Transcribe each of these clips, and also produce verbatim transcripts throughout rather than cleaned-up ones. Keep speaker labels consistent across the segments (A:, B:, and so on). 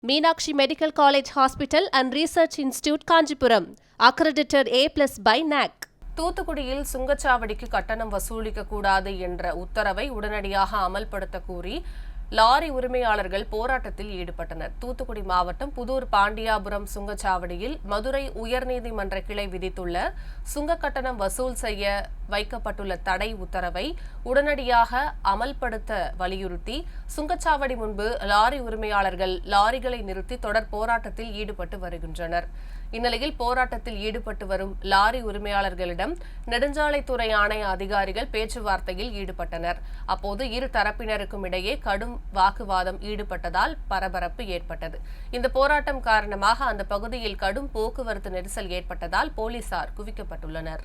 A: Meenakshi Medical College Hospital and Research Institute, Kanjipuram, accredited A plus by N A C. தூத்துக்குடியில் சுங்கச்சாவடிக்கு கட்டணம் வசூலிக்க கூடாது என்ற உத்தரவை உடனடியாக அமல்படுத்த கோரி லாரி உரிமையாளர்கள் போராட்டத்தில் ஈடுபட்டனர். தூத்துக்குடி மாவட்டம் புதூர் பாண்டியாபுரம் சுங்கச்சாவடியில் மதுரை உயர்நீதிமன்ற கிளை விதித்துள்ள சுங்க கட்டணம் வசூல் செய்ய வைக்கப்பட்டுள்ள தடை உத்தரவை உடனடியாக அமல்படுத்த வலியுறுத்தி சுங்கச்சாவடி முன்பு லாரி உரிமையாளர்கள் லாரிகளை நிறுத்தி தொடர் போராட்டத்தில் ஈடுபட்டு வருகின்றனர். இந்நிலையில் போராட்டத்தில் ஈடுபட்டு வரும் லாரி உரிமையாளர்களிடம் நெடுஞ்சாலைத்துறை ஆணைய அதிகாரிகள் பேச்சுவார்த்தையில் ஈடுபட்டனர். அப்போது இரு தரப்பினருக்கும் இடையே கடும் வாக்குவாதம் ஈடுபட்டதால் பரபரப்பு ஏற்பட்டது. இந்த போராட்டம் காரணமாக அந்த பகுதியில் கடும் போக்குவரத்து நெரிசல் ஏற்பட்டதால் போலீசார் குவிக்கப்பட்டுள்ளனர்.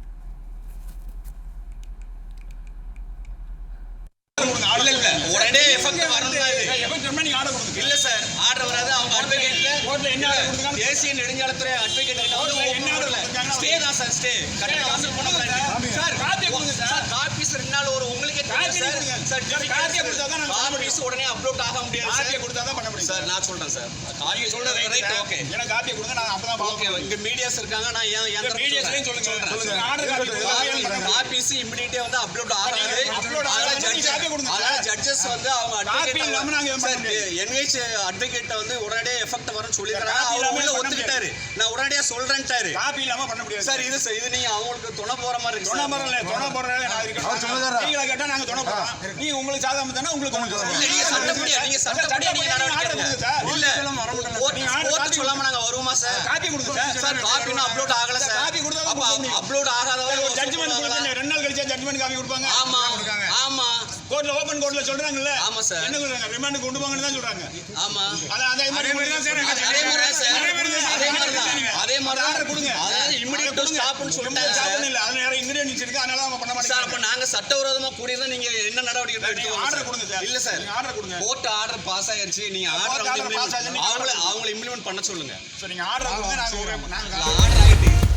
B: உடனே எஃபெக்ட் வரணும்னாரு இல்ல சார் ஆர்டர் வராது. அவங்க அட்வொகேட்ல கோர்ட்ல என்ன ஆர்டர் கொடுத்தாங்க? தேசிய நெடுஞ்சாலைத்துறை அட்வொகேட் கிட்ட வந்து என்ன ஆர்டர் ஸ்டே தான் சார். ஸ்டே கட்டண வசூல் பண்ண கூடாது சார். காப்பி கொடுங்க சார். காப்பீஸ் ரெண்டு நாள் ஒரு உங்களுக்கு காப்பி கொடுங்க சார். காப்பி கொடுத்தா தான் காப்பீஸ் உடனே அப்லோட் ஆக முடியாது. காப்பி கொடுத்தா தான் பண்ண முடியும் சார். நான் சொல்றேன் சார். காப்பி சொல்றது ரைட். ஓகே எனக்கு காப்பி கொடுங்க. நான் அப்பதான் ஓகே. இங்க மீடியாஸ் இருக்காங்க. நான் ஏன் ஏன் மீடியாஸ்லயும் சொல்லுங்க சொல்லுங்க. ஆர்டர் காப்பி காப்பீஸ் இமிடியேட்டா வந்து அப்லோட் ஆகாது. அப்லோட் ஆகாது. ஜட்ஜ் கொடுங்க சார். ஜட்ஜஸ் வந்து அவங்க அட்வொகேட் இல்லாம நாங்க சார் என்ஹெச் அட்வொகேட் வந்து உடனே எஃபெக்ட் வரணும் சொல்லிருக்காங்க. அவர் உள்ள ஒத்துக்கிட்டாரு. நான் உடனடியா சொல்றேன்ட்டாரு. காப்பி இல்லாம பண்ண முடியாது சார். இது இது நீங்க அவங்களுக்கு துணை போற மாதிரி இருக்கு. துணை போறல துணை போறல நான் இருக்கேன். நீங்க கேட்டா நாங்க துணை போறோம். நீங்க உங்களுக்கு சாதாரண தான உங்களுக்கு இல்ல. நீங்க சட்டப்படி நீங்க சட்டப்படி நீங்க நடவடிக்கை எடுங்க சார். இல்ல கோர்ட் சொல்லாம நாங்க வருவோமா சார்? காப்பி கொடுங்க சார். சார் காப்பி இன்னும் அப்லோட் ஆகல சார். காப்பி கொடுத்தா அப்ப அப்லோட் ஆகாதவங்க ஜட்ஜ்மென்ட் கொடுத்தா ரெண்டு நாள் கழிச்சு ஜட்ஜ்மென்ட் காப்பி கொடுப்பாங்க. ஆமா ஆமா கோர்ட்ல ஓபன் கோர்ட்ல சொல்றாங்கல்ல. ஆமா சார். என்ன சொல்றாங்க? ரிமாண்ட் கொண்டு போங்கன்னு தான் சொல்றாங்க. ஆமா அத அதே மாதிரி தான் சார். அதே மாதிரி சார். அதே மாதிரி தான் அதே மாதிரி ஆர்டர் கொடுங்க. அதாவது இமிடியேட் ஸ்டாப்னு சொல்லிட்டாங்க சார். இல்ல அதுல நிறைய இன்கிரிடியன்ட்ஸ் இருக்கு. அதனால அவங்க பண்ண மாட்டாங்க சார். அப்ப நாங்க சட்டவிரோதமா கூடியதா நீங்க என்ன நடவடிக்கை எடுத்துக்கோங்க? ஆர்டர் கொடுங்க சார். இல்ல சார் ஆர்டர் கொடுங்க. கோர்ட் ஆர்டர் பாஸ் ஆயிருச்சு. நீங்க ஆர்டர் அவங்க அவங்க இம்ப்ளிமென்ட் பண்ண சொல்லுங்க. சோ நீங்க ஆர்டர் கொடுங்க. நாங்க நாங்க ஆர்டர் ஆயிட்டு